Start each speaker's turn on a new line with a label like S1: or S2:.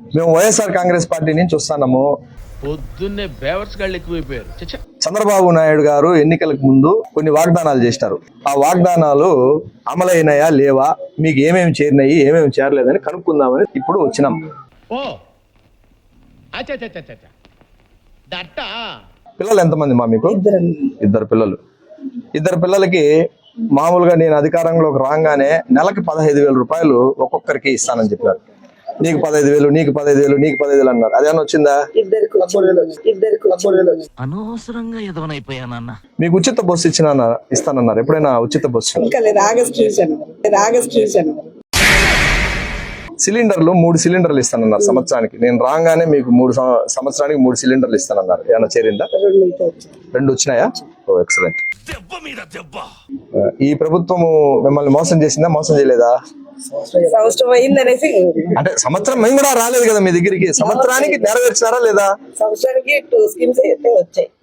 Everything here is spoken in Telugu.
S1: మేము వైఎస్ఆర్ కాంగ్రెస్ పార్టీ నుంచి వస్తున్నాము.
S2: పొద్దున్నే బేవర్స్ గాళ్ళు ఎక్కువైపోయారు.
S1: చంద్రబాబు నాయుడు గారు ఎన్నికలకు ముందు కొన్ని వాగ్దానాలు చేస్తారు. ఆ వాగ్దానాలు అమలైనాయా లేవా, మీకు ఏమేమి చేరినాయి ఏమేమి చేరలేదని కనుక్కుందామని ఇప్పుడు వచ్చినాం.
S2: ఓ అచ్చచ్చచ్చచ్చ దట్ట.
S1: పిల్లలు ఎంతమంది మా మీకు? ఇద్దరు పిల్లలు. ఇద్దరు పిల్లలకి మామూలుగా నేను అధికారంలోకి రాగానే నెలకి 15,000 రూపాయలు ఒక్కొక్కరికి ఇస్తానని చెప్పారు. నీకు 15,000, నీకు 15,000, నీకు 15,000 అన్నారు. అదేమన్నా వచ్చిందా?
S3: అనవసరంగా ఎదవనైపోయానన్న.
S1: మీకు ఉచిత బస్సు ఇస్తానన్నారు. ఎప్పుడైనా ఉచిత బస్సు? సిలిండర్లు 3 సిలిండర్లు ఇస్తానన్నారు సంవత్సరానికి. నేను రాగానే మీకు 3 సంవత్సరానికి 3 సిలిండర్లు ఇస్తానన్నారు. ఏమన్నా చేరిందా? 2 వచ్చినాయా? ఓ ఎక్సలెంట్. ఈ ప్రభుత్వము మిమ్మల్ని మోసం చేసిందా, మోసం చేయలేదా?
S4: సంవత్సరం అయిందనేసి
S1: అంటే సంవత్సరం మేము కూడా రాలేదు కదా మీ దగ్గరికి. సంవత్సరానికి నెరవేర్చారా లేదా?
S4: సంవత్సరానికి 2 స్కీమ్స్ అయితే వచ్చాయి.